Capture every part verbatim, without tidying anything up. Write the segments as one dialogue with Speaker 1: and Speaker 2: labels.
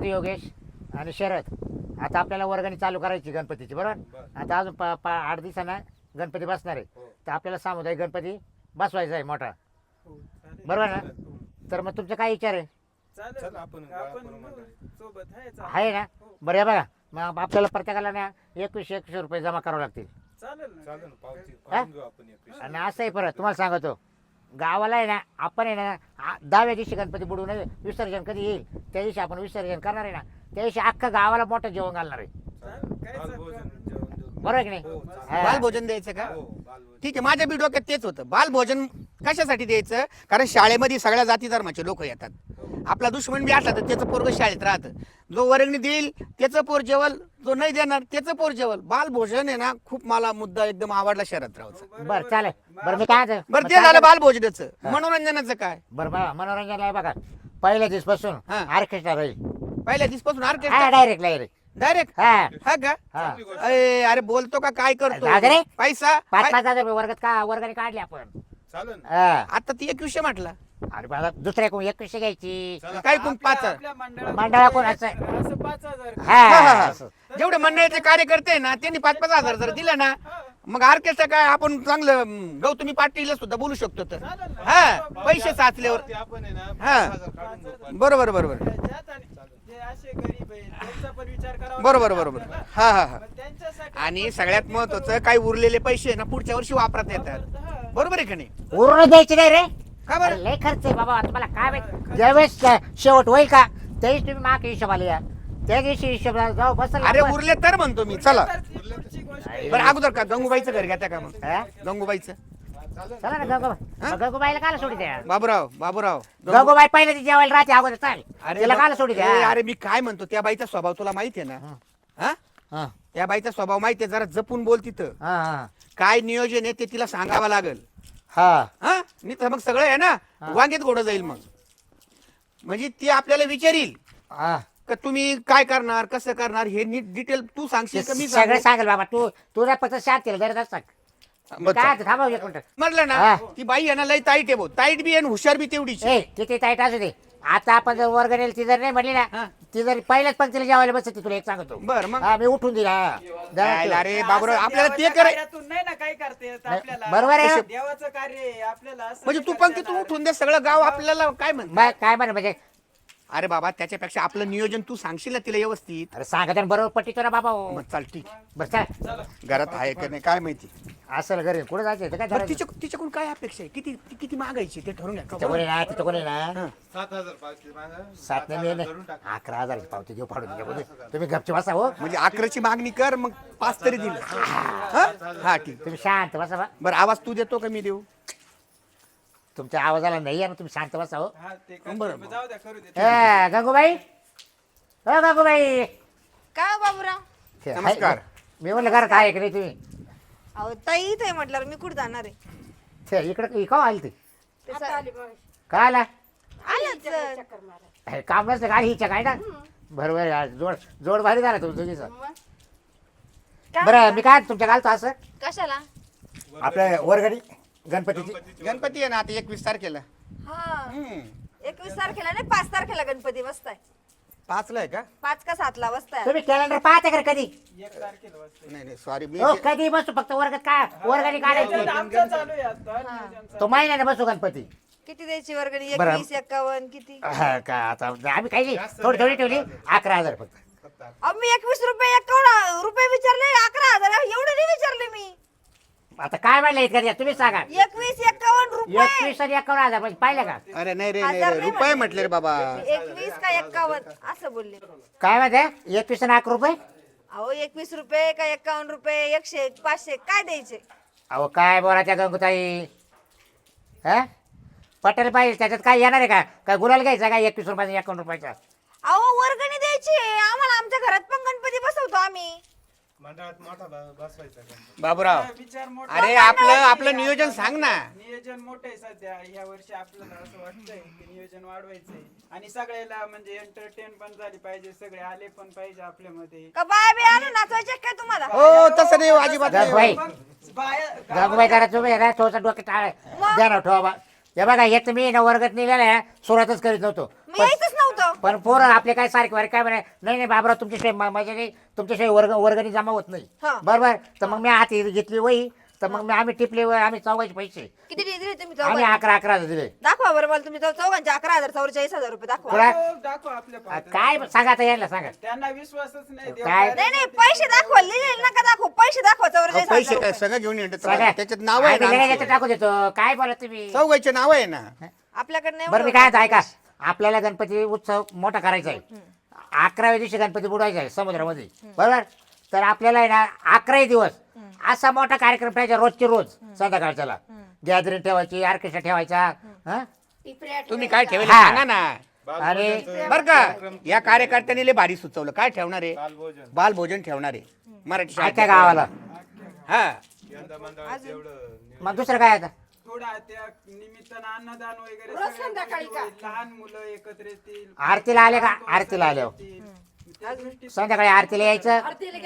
Speaker 1: होतो योगेश आणि शरद. आता आपल्याला वर्गणी चालू करायची गणपतीची, बरोबर. आता अजून पा पा आठ दिवसांना गणपती बसणार आहे. तर आपल्याला सामुदायिक गणपती बसवायचा आहे मोठा, बरोबर ना. तर मग तुमचा काय विचार आहे? आहे ना. बरं आहे बघा, मग आपल्याला प्रत्येकाला ना एकवीसशे एकशे रुपये जमा करावे लागतील. आणि असं आहे, परत तुम्हाला सांगतो, गावाला आहे ना आपण आहे ना दहाव्या दिवशी गणपती बुडवून विसर्जन कधी येईल त्या दिवशी आपण विसर्जन करणार आहे ना, त्या दिवशी अख्खा गावाला मोठं जेवण घालणार आहे, बरोबर की नाही.
Speaker 2: बालभोजन द्यायचं का? ठीक आहे, माझ्या बी डोक्यात तेच होतं. बालभोजन कशासाठी द्यायचं? कारण शाळेमध्ये सगळ्या जाती धर्माचे लोक येतात. आपला दुश्मन बी असला तर त्याचं पोरग शाळेत राहतं. जो वर्गणी देईल त्याचं पोर जेवल, जो नाही देणार त्याचं पोर जेवल. बालभोजन आहे ना, खूप मला मुद्दा एकदम आवडला शरद रावचा.
Speaker 1: बरं चालेल. बरं मी काय
Speaker 2: बरं ते झालं बालभोजनाचं. मनोरंजनाचं काय?
Speaker 1: बरं बघा, मनोरंजन आहे बघा, पहिल्या दिवसपासून ऑर्केस्ट्रा राहील.
Speaker 2: पहिल्या दिवसपासून
Speaker 1: हा
Speaker 2: ऑर्केस्ट्रा
Speaker 1: डायरेक्ट डायरेक्ट
Speaker 2: डायरेक्ट
Speaker 1: हा
Speaker 2: हा का?
Speaker 1: हा.
Speaker 2: अरे अरे बोलतो का काय करतो?
Speaker 1: जाऊ दे रे.
Speaker 2: पैसा
Speaker 1: पाच पाच हजार रुपये वर्गात का वर्गाने काढले आपण.
Speaker 3: चालेल
Speaker 1: हा.
Speaker 2: आता ती एकवीसशे म्हटला.
Speaker 1: अरे बाबा दुसऱ्या कोण एकवीसशे घ्यायची,
Speaker 2: काय कोण पाच
Speaker 1: मंडळा कोण असं
Speaker 4: असं पाच हजार
Speaker 2: हा, हा,
Speaker 1: हा
Speaker 2: हा.
Speaker 1: असं.
Speaker 2: जेवढे मंडळाचे कार्यकर्ते आहे ना त्यांनी पाच पाच हजार जर दिलं ना, मग ऑर्केस्ट्रा काय आपण चांगलं अं, गौतमी पाटीलला सुद्धा बोलू शकतो. तर हा पैसे साचल्यावर
Speaker 3: ते आपण आहे ना
Speaker 2: हा.
Speaker 3: पाच हजार काढून घेऊ, पाच.
Speaker 2: बरोबर बरोबर
Speaker 4: ज्यात आणि जे असे गरीब आहेत त्यांचा पण विचार करावा
Speaker 2: बरोबर
Speaker 4: लागतो
Speaker 2: बरोबर
Speaker 4: आपल्याला.
Speaker 2: हा हा हा.
Speaker 4: मग त्यांच्यासाठी
Speaker 2: आणि
Speaker 4: आपण
Speaker 2: सगळ्यात
Speaker 4: सगळं
Speaker 2: महत्वाचं,
Speaker 4: करू.
Speaker 2: काही उरलेले पैसे ना पुढच्या वर्षी वापरता येतात.
Speaker 4: हा.
Speaker 2: बरोबर आहे का नाही?
Speaker 1: उरून द्यायची नाही रे.
Speaker 2: का बरं?
Speaker 1: अरे लय खर्च आहे बाबा, तुम्हाला काय माहित. ज्यावेळेस शेवट होईल का त्यावेळेस तुम्ही माग हिशोबाला या, त्या दिवशी हिशोबाला जाऊ बसल.
Speaker 2: अरे उरले तर म्हणतो मी. चला
Speaker 4: तर ती पुढची गोष्ट आहे.
Speaker 2: बरं, अगोदर का गंगूबाईचं घर घेता का? मग
Speaker 1: हा?
Speaker 2: गंगूबाईचं
Speaker 1: चला ना गंगूबाई, गंगूबाईला काला सोडी द्या.
Speaker 2: बाबूराव बाबूराव गंगू-
Speaker 1: गंगूबाई पहिले ती जेवायला राहते अगोदर, चाल तिला
Speaker 2: बा-
Speaker 1: काला सोडी
Speaker 2: ए,
Speaker 1: द्या.
Speaker 2: अरे मी काय म्हणतो, त्या बाईचा स्वभाव तुला माहिती आहे ना? हा
Speaker 1: हा
Speaker 2: त्या बाईचा स्वभाव माहिती आहे, जरा जपून बोल तिथं.
Speaker 1: हा हा
Speaker 2: काय नियोजन आहे ते तिला सांगावं लागेल.
Speaker 1: हा
Speaker 2: हा नाही तर मग सगळं आहे ना वांगेत घोडं जाईल. मग म्हणजे ती आपल्याला विचारील
Speaker 1: हा.
Speaker 2: का तुम्ही काय करणार, कसं करणार, हे नीट डिटेल तू सांगशील का मी
Speaker 1: सगळं
Speaker 2: सांगू?
Speaker 1: सांगेल बाबा. तू तुझ्या पत्र शांत गरज असतात
Speaker 2: बरं,
Speaker 1: काय थांबव एक मिनिट.
Speaker 2: म्हटलं ना
Speaker 1: हा.
Speaker 2: ती बाई आहे ना लई ताईट आहे भाऊ. ताईट बी आहे आणि हुशार बी तेवढीच आहे.
Speaker 1: ए किती ताईट असू दे, आता आपण जर वर्ग नेल ती जर नाही म्हणली
Speaker 2: हा.
Speaker 1: ना, ती जर पहिल्याच पंक्तीला जेवायला बसते तुला एक सांगतो.
Speaker 2: बरं मग
Speaker 1: हा मी उठून दिला.
Speaker 2: जायला रे
Speaker 4: असं
Speaker 2: बाबूराव, आपल्याला ते
Speaker 4: देवाच्या
Speaker 2: करायचं.
Speaker 4: कार्यातून नाही ना काय करते
Speaker 1: नाही,
Speaker 4: आपल्याला.
Speaker 1: बरोबर आहे.
Speaker 4: देवाचं कार्य आहे आपल्याला असं
Speaker 2: म्हणजे
Speaker 4: नाही
Speaker 2: तू
Speaker 4: करता
Speaker 2: पंक्ती तू
Speaker 4: येणार.
Speaker 2: उठून दे, सगळं गाव आपल्याला काय म्हणत.
Speaker 1: मग काय म्हणे म्हणजे,
Speaker 2: अरे बाबा त्याच्यापेक्षा आपलं नियोजन तू सांगशील ना तिला व्यवस्थित.
Speaker 1: अरे सांगत बरोबर पट्टीतो ना बाबा हो.
Speaker 2: मग चाल ठीक.
Speaker 1: बरं चल,
Speaker 2: घरात आहे का नाही काय माहिती.
Speaker 1: असं घरी कुठे जायचं ते काय
Speaker 2: बरं,
Speaker 1: ठरवायचं?
Speaker 2: तिच्या तिच्याकडून काय अपेक्षा आहे, किती ती किती मागायची ते ठरवून
Speaker 1: तिथं
Speaker 2: घ्या.
Speaker 1: कोणी ना तिथं कोणी ना
Speaker 3: सात हजार पाचशे मागा.
Speaker 1: सात नाही
Speaker 3: हजार
Speaker 1: नाही
Speaker 3: धरून टाक.
Speaker 1: अकरा हजाराची पावती घेऊ फाडून त्याच्यामध्ये. तुम्ही गपचे बसा हो,
Speaker 2: म्हणजे अकराची मागणी कर, मग पाच तरी दिल. हा हा, ठीक.
Speaker 1: तुम्ही शांत बसा बा.
Speaker 2: बरं आवाज तू देतो का मी देऊ?
Speaker 1: तुमच्या आवाजाला नाही आहे ना, तुम्ही शांत बसा हो.
Speaker 4: हा, ते करते.
Speaker 2: बरं,
Speaker 4: मग जाऊ द्या करू दे.
Speaker 1: ए गंगूबाई, हो गंगूबाई.
Speaker 5: काय हो बाबूराव?
Speaker 1: ते आहे-
Speaker 2: नमस्कार.
Speaker 1: मी म्हणलं घरात आहे की नाही तुम्ही?
Speaker 5: अहो ताई इथे म्हटल्यावर मी कुठे जाणार आहे?
Speaker 1: ते इकडं इकाव आली ते
Speaker 5: ते स-
Speaker 1: काय आला?
Speaker 5: आलंच.
Speaker 1: हे काम नसतं गाडी हिच्या काय ना. बरोबर आहे, जोड जोड भारी झाला तुमचं तुझीचं.
Speaker 5: काय
Speaker 1: बरं
Speaker 5: म्हणता?
Speaker 1: मी काय तुमच्या घालतो असं
Speaker 5: कशाला?
Speaker 1: आपल्या वर्गणी गणपतीची.
Speaker 2: गणपती आहे ना आता एकवीस तारखेला.
Speaker 5: हा
Speaker 2: हम्म.
Speaker 5: एकवीस तारखेला नाही, पाच तारखेला गणपती बसताय.
Speaker 2: पाचला आहे का?
Speaker 5: पाच का सातला बसताय?
Speaker 1: तुम्ही कॅलेंडर पाहते का रे कधी?
Speaker 4: एक तारखेला वाजता.
Speaker 2: नाही नाही सॉरी मी
Speaker 1: हो कधी बसू, फक्त वर्गात काय वर्गाने काढायची.
Speaker 4: आमचं चालू आहे आता नियोजन चालू.
Speaker 1: तो महिन्याने बसू गणपती.
Speaker 5: किती द्यायची वर्गणी?
Speaker 1: बरं.
Speaker 5: एकवीस एकावन्न किती?
Speaker 1: हा, का आता आम्ही काही नाही, थोडी थोडी ठेवली. अकरा हजार फक्त.
Speaker 5: अहो मी एकवीस रुपये एकावन्न रुपये विचारले, अकरा हजार एवढे नाही विचारले मी.
Speaker 1: आता काय म्हणलं इतकं तुम्ही सांगा.
Speaker 5: एकवीस एकावन्न रुपये.
Speaker 1: एकवीस आणि एकावन्न हजार म्हणजे पाहिलं का?
Speaker 2: अरे नाही रे नाही
Speaker 5: हजार
Speaker 2: रे
Speaker 5: नाही
Speaker 2: रुपये
Speaker 5: म्हटले.
Speaker 2: म्हटले रे बाबा.
Speaker 5: एकवीस का एकावन्न असं बोलले.
Speaker 1: काय माहिती एकवीस आणि अकरा रुपये.
Speaker 5: अहो एकवीस रुपये का एकावन्न रुपये, एकशे पाचशे काय द्यायचे?
Speaker 1: अहो काय बोलायच्या गंगूताई, हा पटेल पाहिजे त्याच्यात काय येणार आहे का? काय गुलाल घ्यायचा काय एकवीस रुपयाचा एकावन्न रुपयाचा?
Speaker 5: अहो वर्गणी द्यायची आहे. आम्हाला आमच्या घरात पण गणपती बसवतो आम्ही.
Speaker 3: मंडळात मोठा ब- बसवायचा गणपती.
Speaker 2: बाबूराव
Speaker 4: विचार मोठा.
Speaker 2: अरे आपलं आपलं नियोजन सांग ना.
Speaker 4: नियोजन मोठं आहे सध्या या वर्षी. आपल्याला असं वाटतंय की नियोजन वाढवायचंय आणि सगळ्याला म्हणजे एंटरटेन पण झाली पाहिजे, सगळे आले पण पाहिजे आपल्यामध्ये.
Speaker 5: का बाय बी आणून नाचवायचे काय तुम्हाला?
Speaker 2: हो तसं नाही अजिबात नाही.
Speaker 1: गंगूबाई
Speaker 4: मग बाया-
Speaker 1: गंगूबाई करा तुम्ही ना थोडंसं डोक्यात टाळ द्या ना ठेवा बा. हे बघा येत मी ना वर्गात निघाल्या सुरुवातच करीत नव्हतो.
Speaker 5: मी यायचंच नव्हतं.
Speaker 1: पण पोरं आपले काय सारखे वारे काय म्हणे नाही नाही बाबरा तुमच्याशिवाय मा- माझ्या काही तुमच्याशिवाय वर्ग वर्गणी जमा होत नाही
Speaker 5: हा.
Speaker 1: बरोबर तर मग मी हाती घेतली वही तर मग मी आम्ही टिपले वही, आम्ही चौघाचे पैसे
Speaker 5: किती दिले दिले तुम्ही
Speaker 1: आम्ही
Speaker 5: चौघांचे?
Speaker 1: अकरा अकरा हजार दिले
Speaker 5: दाखवा बरं मला तुम्ही चौ- चौघांचे अकरा हजार चौवेचाळीस हजार रुपये दाखवा
Speaker 1: कोणा-
Speaker 4: दाखव दाखव आपल्या
Speaker 1: आ,
Speaker 4: पाहत्या.
Speaker 1: काय सांगा आता यायला सांगा
Speaker 4: त्यांना विश्वासच नाही देव
Speaker 1: काय?
Speaker 4: काय-
Speaker 5: नाही नाही पैसे दाखवा लिहिले नका दाखवू पैसे दाखवा चौवेचाळीस हजार
Speaker 2: पैसे काय
Speaker 5: रुपये.
Speaker 2: सगळं घेऊन येतात
Speaker 1: सांगा
Speaker 2: त्याच्यात नाव आहे
Speaker 1: आम्ही लगेच याच्यात
Speaker 2: ना
Speaker 1: टाकू देतो काय बोला तुम्ही
Speaker 2: चौघाचे नाव आहे ना
Speaker 5: आपल्याकडे नाही
Speaker 1: बरं मी
Speaker 5: एवढं.
Speaker 1: काय म्हणतो, ऐका आपल्याला गणपती उत्सव मोठा करायचा आहे अकराव्या दिवशी गणपती बुडवायचा आहे समुद्रामध्ये बरोबर तर आपल्याला आहे ना अकराही दिवस असा मोठा कार्यक्रम ठेवायचा रोजचे रोज संध्याकाळच्याला गॅदरिंग ठेवायची ऑर्केस्ट्रा ठेवायचा हा?
Speaker 2: तुम्ही काय ठेवले
Speaker 1: हा.
Speaker 2: सांगा ना
Speaker 1: अरे
Speaker 2: बर का या कार्यकर्त्यांनी लय भारी सुचवलं काय ठेवणार आहे
Speaker 3: बालभोजन
Speaker 2: बालभोजन ठेवणार आहे मराठी शाळेत.
Speaker 1: आजच्या गावाला
Speaker 2: हा
Speaker 3: यंदा मंडळात एवढं नियोजन.
Speaker 1: मग दुसरं काय आता
Speaker 4: थोडा त्या निमित्तानं अन्नदान वगैरे सगळ्या गोष्टी होईल. लहान मुलं एकत्र येतील
Speaker 1: आरतीला आले का आरतीला आले हो.
Speaker 4: येतील. त्या दृष्टीने
Speaker 1: संध्याकाळी आरतीला यायचं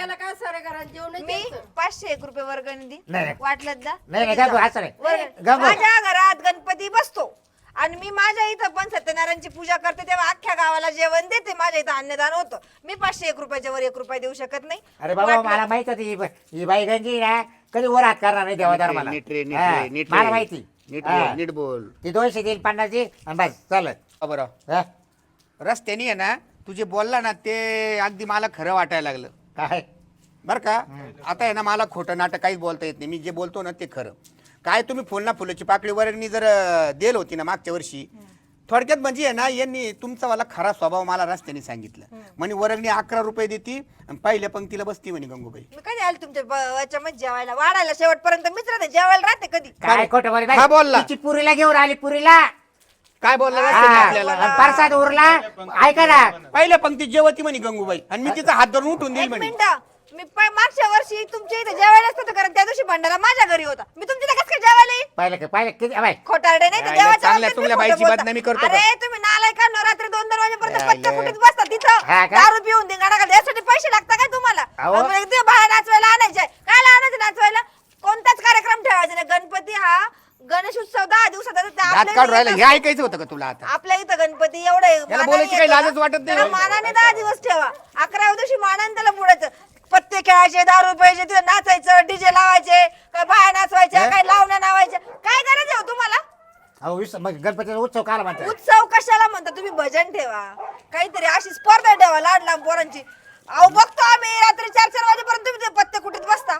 Speaker 5: मी पाचशे एक रुपये वर्गणी दी
Speaker 1: नाही, नाही.
Speaker 5: वाटलं दा
Speaker 1: नाही नाही गंगू असं नाही
Speaker 5: वर्ग-
Speaker 1: गंगू
Speaker 5: माझ्या घरात गणपती बसतो आणि मी माझ्या इथं पण सत्यनारायणची पूजा करते तेव्हा अख्ख्या गावाला जेवण देते माझ्या इथं अन्नदान होतं मी पाचशे एक रुपयाच्या वर एक रुपया देऊ शकत नाही
Speaker 1: अरे बाबा
Speaker 5: वाटलं-
Speaker 1: मला माहित होती ही ब- ही बाई गंगी ना कधी वर हात करणार नाही देवादार मला
Speaker 2: नीट रे, नीट
Speaker 1: हा,
Speaker 2: रे, नीट रे.
Speaker 1: मला माहिती
Speaker 2: नीट
Speaker 1: हा.
Speaker 2: बोल नीट बोल
Speaker 1: ती दोनशे देईल पन्नास देईल आणि बस चालत
Speaker 2: बरं
Speaker 1: हा?
Speaker 2: रस्त्याने आहे ना तुझे बोलला ना ते अगदी मला खरं वाटायला लागलं
Speaker 1: काय
Speaker 2: बरं का आता आहे ना मला खोटं नाटक काहीच बोलता येत नाही मी जे बोलतो ना ते खरं काय तुम्ही फुलना फुलाची पाकळी वर्गणी जर अं, देल होती ना मागच्या वर्षी थोडक्यात म्हणजे आहे ना यांनी तुमचा वाला खरा स्वभाव मला रस्त्याने सांगितलं म्हणे वर्गणी अकरा रुपये देती आणि पहिल्या पंक्तीला बसती म्हणे गंगूबाई
Speaker 5: मी कधी आले तुमच्या ब- याच्यामध्ये जेवायला वाढायला शेवटपर्यंत मीच राहते जेवायला राहते कधी
Speaker 1: काय खोटं बोल
Speaker 2: हा, बोलला.
Speaker 1: तिची पुरीला घेऊन आली पुरीला
Speaker 2: काय बोलला
Speaker 1: हा,
Speaker 2: रस्त्याने आपल्याला
Speaker 1: आणि परसाद उरला ऐका ना
Speaker 2: पहिल्या पंक्तीत जेवती म्हणे गंगूबाई आणि मी तिचा हात धरून उठून देईल
Speaker 5: एक
Speaker 2: म्हणे
Speaker 5: मिनिट मी प- मागच्या वर्षी तुमच्या इथे जेवायला असतं तर कारण त्या दिवशी भंडारा माझ्या घरी होता मी तुमच्या इथे कसं काय जेवायला येईन?
Speaker 1: पाहिलं का पाहिलं किती अबाय
Speaker 5: खोटारडे नाही तर
Speaker 2: यायला
Speaker 5: देवाच्या
Speaker 2: चांगल्या
Speaker 5: बाबतीत
Speaker 2: चुंगल्या
Speaker 5: मी खोटं
Speaker 2: बाईची
Speaker 5: बोलता.
Speaker 2: बदनामी करतो का?
Speaker 5: अरे तुम्ही नालाय का रात्री दोन दोन वाजेपर्यंत
Speaker 2: यायला.
Speaker 5: पत्त्या कुठीत बसता
Speaker 1: हा
Speaker 5: तिथं
Speaker 1: का?
Speaker 5: दारू पिऊन धिंगाणा घालता यासाठी पैसे लागतात काय तुम्हाला
Speaker 1: अहो.
Speaker 5: आणि मग ते बाहेर नाचवायला आणायचे काय आणायचं नाचवायला कोणताच कार्यक्रम ठेवायचा नाही गणपती हा गणेश उत्सव दहा दिवसाचा तर ते
Speaker 2: हात
Speaker 5: आपल्या
Speaker 2: काढून राहिला
Speaker 5: इथं
Speaker 2: हे ऐकायचं होतं का तुला आता
Speaker 5: आपल्या इथं गणपती एवढे
Speaker 2: याला बोलायची काही लाजच वाटत नाही.
Speaker 5: मानाने दहा दिवस ठेवा अकराव्या दिवशी मानाने त्याला बुडायचं पत्ते खेळायचे दारू प्यायचे तिथे नाचायचं डीजे लावायचे काय बाया नाचवायच्या काय लावण्या नावायच्या काय गरज आहे हो तुम्हाला
Speaker 1: अहो विस मग गणपतीचा उत्सव काला म्हणतात
Speaker 5: उत्सव कशाला म्हणता तुम्ही भजन ठेवा काहीतरी अशी स्पर्धा ठेवा लाड लांब पोरांची अहो बघतो आम्ही रात्री चार चार वाजेपर्यंत तुम्ही ते पत्ते कुठेच बसता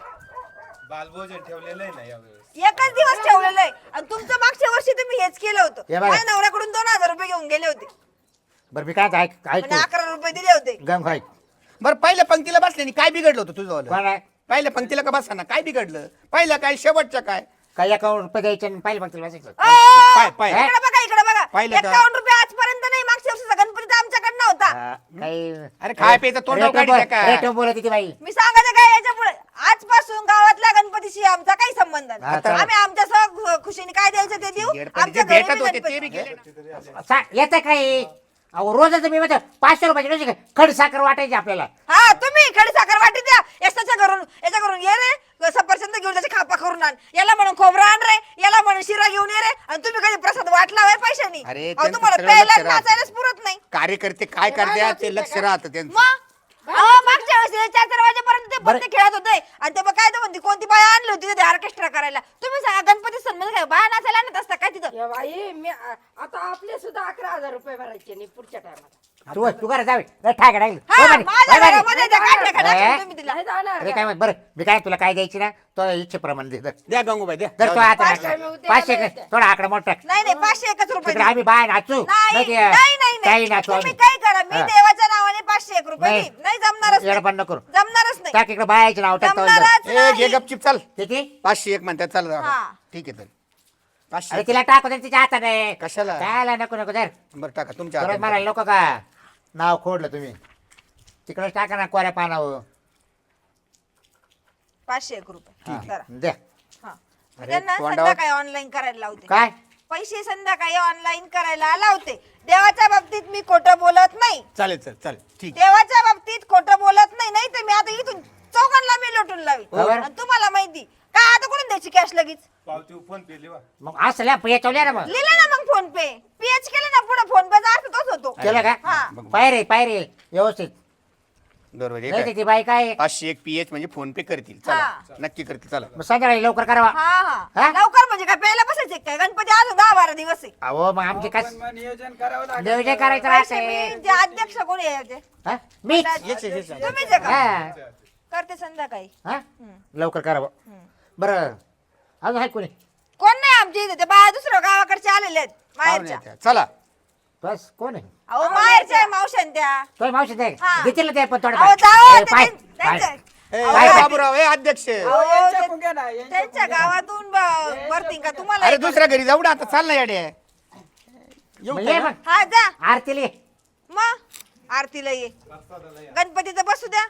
Speaker 3: बालभोजन ठेवलेलं आहे ना यावेळेस
Speaker 5: एकच दिवस ठेवलेलं आहे आणि तुमचं मागच्या वर्षी तुम्ही हेच केलं होतं
Speaker 1: हे बघा.
Speaker 5: माझ्या नवऱ्याकडून दोन हजार रुपये घेऊन गेले होते
Speaker 1: बरं मी काय ऐक ऐक
Speaker 5: म्हणजे अकरा रुपये दिले होते
Speaker 1: गंग ऐक
Speaker 2: बरं पहिल्या पंक्तीला बसल्याने काय बिघडलं होतं तुझं
Speaker 1: कोण आहे
Speaker 2: पहिल्या पंक्तीला का बसताना काय बिघडलं पहिलं काय शेवटचं काय
Speaker 1: काय अकाउंट रुपये द्यायचे आणि पाहिलं मग तिला बसायचं
Speaker 2: पाय पाय
Speaker 5: इकडे बघा इकडे बघा
Speaker 2: पाहिलं का?
Speaker 5: एकावन्न रुपये आजपर्यंत नाही मागच्या वर्षीचा गणपती तर आमच्याकडे नव्हता
Speaker 1: हा, काही
Speaker 2: अरे खाय प्यायचं तोंडावर
Speaker 1: रेटो
Speaker 2: काढीत का?
Speaker 1: बोल- रेटो बोलत होती बाई
Speaker 5: मी सांगायचं काय याच्या पुढे आजपासून गावातल्या गणपतीशी आमचा काही संबंध
Speaker 1: हा,
Speaker 5: नाही
Speaker 1: चला.
Speaker 5: आम्ही आमच्या सह खुशीने काय द्यायचं ते देऊ
Speaker 2: येडपणी जे
Speaker 5: आमच्या घरी
Speaker 2: भेटत
Speaker 5: बी
Speaker 2: होते ते
Speaker 5: गणपती.
Speaker 2: बी गेले ना.
Speaker 1: सा- येतं काही अहो रोजच मी म्हणतो पाचशे रुपयाची डोशी खड साखर वाटायची आपल्याला
Speaker 5: हा तुम्ही खडी साखर वाटी द्या याच्या घरून याच्या घरून ये रे सफरचंद घेऊन त्याची खापा करून आण याला म्हणून खोबरं आण रे याला म्हणून शिरा घेऊन ये रे आणि तुम्ही कधी प्रसाद वाटला होय पैशानी
Speaker 2: अरे,
Speaker 5: अहो,
Speaker 2: त्यांचं
Speaker 5: तुम्हाला
Speaker 2: सगळं
Speaker 5: प्यायला
Speaker 2: लक्ष राहतं.
Speaker 5: नाचायलाच पुरत नाही
Speaker 2: कार्यकर्ते काय करते ते लक्ष राहतं त्यांचं
Speaker 5: मग अहो, मागच्या वेळेस चार चार वाजेपर्यंत ते
Speaker 1: बरं.
Speaker 5: पत्ते खेळत होते आणि ते मग काय तर म्हणते कोणती बाया आणली होती ते ऑर्केस्ट्रा करायला तुम्ही सांगा गणपती सण मध्ये काय बाया नाचायला आणत असता काय तिथं
Speaker 6: या बाई मी आ- आता आपले सुद्धा अकरा हजार रुपये भरायचे नाही पुढच्या टायमाला
Speaker 1: तू तू करा जावे ठाक राहील
Speaker 5: हा माझ्या घरामध्ये त्या काढल्या का टाकल्या
Speaker 1: ए?
Speaker 5: तुम्ही तिला
Speaker 6: नाही जाणार
Speaker 1: अरे काय माहित, बरं मी काय तुला काय द्यायची ना तो इच्छेप्रमाणे दे धर.
Speaker 2: द्या गंगूबाई द्या
Speaker 1: धर तो आता
Speaker 6: पाचशे मी उद्या
Speaker 1: पाचशे
Speaker 6: आले
Speaker 1: कर. थोडा आकडा मोठा टाक.
Speaker 5: नाही नाही पाचशे एकच रुपये
Speaker 1: तिकडे
Speaker 5: देईन.
Speaker 1: आम्ही बाय नाचू
Speaker 5: नाही
Speaker 1: नाही ते-
Speaker 5: नाही नाही
Speaker 1: काही
Speaker 5: नाही
Speaker 1: नाचू
Speaker 5: तुम्ही
Speaker 1: आम्ही
Speaker 5: काय करा मी
Speaker 1: हा.
Speaker 5: देवाच्या नावाने पाचशे एक रुपये
Speaker 1: नाही.
Speaker 5: देईन. नाही जमणारच नाही.
Speaker 1: येडपण नको करू.
Speaker 5: जमणारच नाही
Speaker 1: टाक इकडे बायाचे नाव टाकतो
Speaker 5: जमणारच
Speaker 2: ए घे
Speaker 5: नाही.
Speaker 2: गपचिप चाल
Speaker 1: किती
Speaker 2: पाचशे एक म्हणतात चाल
Speaker 5: हा.
Speaker 2: ठीक आहे तर
Speaker 1: अरे
Speaker 2: पाचशे
Speaker 1: तिला टाकू दे तिच्या हाताने
Speaker 2: कशाला?
Speaker 1: काय नको नको धर
Speaker 2: बरं टाका तुमच्या
Speaker 1: परत
Speaker 2: हातात.
Speaker 1: मारायला नको का नाव खोडलं तुम्ही तिकडे टाका ना कोऱ्या पानावर
Speaker 5: पाचशे एक रुपये जरा.
Speaker 1: द्या
Speaker 5: हा. मी
Speaker 2: अरे,
Speaker 5: त्यांना
Speaker 2: तोंडावर-
Speaker 5: संध्याकाळी ऑनलाईन करायला लावते
Speaker 1: काय
Speaker 5: पैसे संध्याकाळी ऑनलाईन करायला लावते देवाच्या बाबतीत मी खोटं बोलत नाही
Speaker 2: चालेल चालेल चालेल ठीक
Speaker 5: देवाच्या बाबतीत खोटं बोलत नाही नाही तर मी आता इथून चौघांना मी लोटून लावी
Speaker 1: बरोबर.
Speaker 5: आणि तुम्हाला माहिती का आता कोण द्यायची कॅश लगेच
Speaker 3: पावती फोन पे लिवा
Speaker 1: मग असल्या याच्यावल्या ना मग
Speaker 5: लिहिलं ना मग फोन पे पीएच केलं ना पुढे फोन पेचा अर्थ तोच होतो
Speaker 1: केलं का
Speaker 5: हा
Speaker 1: पायरे पायरे व्यवस्थित
Speaker 2: बरोबर आहे
Speaker 1: नाही
Speaker 2: काय?
Speaker 1: तर ती बाई काय
Speaker 2: पाचशे एक पीएच म्हणजे फोन पे करतील
Speaker 5: हा.
Speaker 2: चला नक्की करतील चला
Speaker 1: मग संध्याकाळी लवकर करावा
Speaker 5: हा
Speaker 1: हा?
Speaker 5: हा लवकर म्हणजे काय प्यायला बसायचे काय गणपती अजून दहा बारा दिवस आहे
Speaker 1: अहो मग आमचे काय
Speaker 4: पण मग नियोजन करावं लागेल
Speaker 1: नियोजन करायचं
Speaker 5: पैसे
Speaker 1: राहते
Speaker 5: मी जे अध्यक्ष कोणी आहे ते
Speaker 1: हा? मीच
Speaker 2: येच येच येच.
Speaker 5: तुम्हीच आहे का
Speaker 1: हा
Speaker 5: करते संध्याकाळी
Speaker 1: हा लवकर करावं बरं अजून आहे कोणी
Speaker 5: कोण नाही आमच्या इथे ते बाया दुसऱ्या गावाकडचे आलेले आहेत
Speaker 2: पाहुणे
Speaker 5: माहेरच्या
Speaker 2: येतात. चला
Speaker 1: बस कोण आहे
Speaker 5: अहो माहेरच्या आहे मावशान त्या
Speaker 1: तो मावशी दे
Speaker 5: हा.
Speaker 1: देतील ना ते पण थोडं
Speaker 5: अहो जाओ
Speaker 1: ए, पाय
Speaker 5: ते-
Speaker 1: पाय
Speaker 5: त्यांच्या
Speaker 2: ए,
Speaker 5: अहो,
Speaker 2: ए,
Speaker 5: काय-
Speaker 2: बाबूराव ए अध्यक्ष
Speaker 5: अहो,
Speaker 4: अहो, यांच्या
Speaker 5: ते-
Speaker 4: कुंग्या ना, यांच्या
Speaker 5: त्यांच्या
Speaker 4: कुंग्या.
Speaker 5: गावातून ब- भरतील का तुम्हाला
Speaker 2: अरे
Speaker 5: एक-
Speaker 2: दुसऱ्या घरी जाऊ ना आता चाल ना याडे येऊ
Speaker 1: मग
Speaker 2: का?
Speaker 1: ये मग
Speaker 5: हा जा
Speaker 1: आरतीले
Speaker 5: मग आरतीला ये गणपतीचं बसू द्या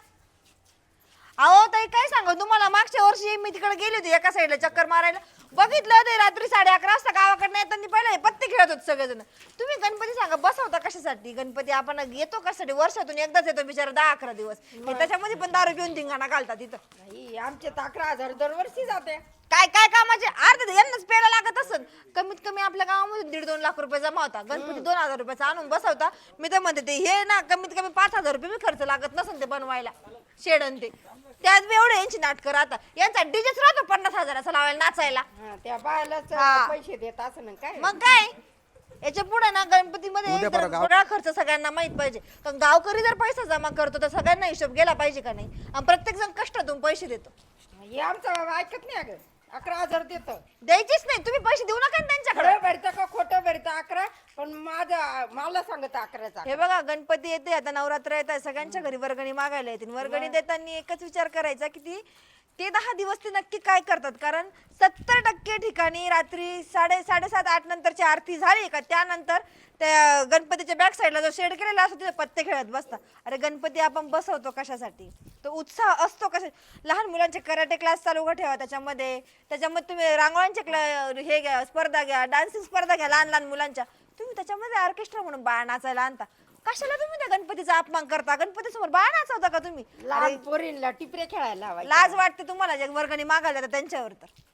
Speaker 5: अहो ताई काय सांगू तुम्हाला मागच्या वर्षी मी तिकडे गेली होती एका साईडला चक्कर मारायला बघितलं ते रात्री साडे अकरा वाजता गावाकडनं येताना पहिला हे पत्ते खेळत होते सगळेजण तुम्ही गणपती सांगा बसवता कशासाठी गणपती आपण येतो कशासाठी वर्षातून एकदाच येतो बिचारा दहा अकरा दिवस हे त्याच्यामध्ये पण दारू पिऊन धिंगाणा घालतात तिथं
Speaker 6: नाही आमचे तर अकरा हजार दरवर्षी जाते
Speaker 5: काय काय कामाचे अर्ध यांनाच पेला लागत असत कमीत कमी आपल्या गावामध्ये दीड दोन लाख रुपये जमा होता गणपती दोन हजार रुपयाचा आणून बसवता मी तर म्हणते ते हे ना कमीत कमी पाच हजार रुपये बी खर्च लागत नसेल ते बनवायला शेडन ते त्यात बी एवढे यांची नाटकं राहतात यांचा डीजेच राहतो पन्नास हजाराचा लावायला नाचायला
Speaker 6: हा त्या बायलाच
Speaker 5: हा.
Speaker 6: पैसे देत असं ना काय
Speaker 5: मग काय याच्या पुढे ना गणपतीमध्ये
Speaker 2: उद्या परवा गाव-
Speaker 5: सगळा खर्च सगळ्यांना माहित पाहिजे कारण गावकरी जर पैसा जमा करतो तर सगळ्यांना हिशोब गेला पाहिजे का नाही आणि प्रत्येक जण कष्टातून पैसे देतो
Speaker 6: हे आमचं ऐकत नाही अगं अकरा हजार देत
Speaker 5: द्यायचीच नाही तुम्ही पैसे देऊ नका ना त्यांच्याकडे
Speaker 6: खरं भरतं का खोटं भरतं अकरा पण माझा मला सांगत अकराचा
Speaker 5: हे बघा गणपती येते आता नवरात्र येत आहे सगळ्यांच्या घरी वर्गणी मागायला येतील वर्गणी देताना एकच विचार करायचा की ती ते दहा दिवस ते नक्की काय करतात कारण सत्तर टक्के ठिकाणी रात्री साडे साडेसात आठ नंतरची आरती झाली का त्यानंतर त्या गणपतीच्या बॅक साईडला जो शेड केलेला असतो तिथे पत्ते खेळत बसतात अरे गणपती आपण बसवतो कशासाठी तो उत्साह असतो कशा लहान मुलांचे कराटे क्लास चालू उभं ठेवा त्याच्यामध्ये त्याच्यामध्ये तुम्ही रांगोळ्यांचे क्ला हे घ्या स्पर्धा घ्या डान्सिंग स्पर्धा घ्या लहान लहान मुलांच्या तुम्ही त्याच्यामध्ये ऑर्केस्ट्रा म्हणून बाळा नाचायला आणता कशाला तुम्ही त्या गणपतीचा अपमान करता गणपती समोर बाळा नाचवता का तुम्ही
Speaker 6: लहान पोरींला टिपरे खेळायला लावायचे.
Speaker 5: लाज वाटते तुम्हाला जे वर्गणी मागायला जातात त्यांच्यावर तर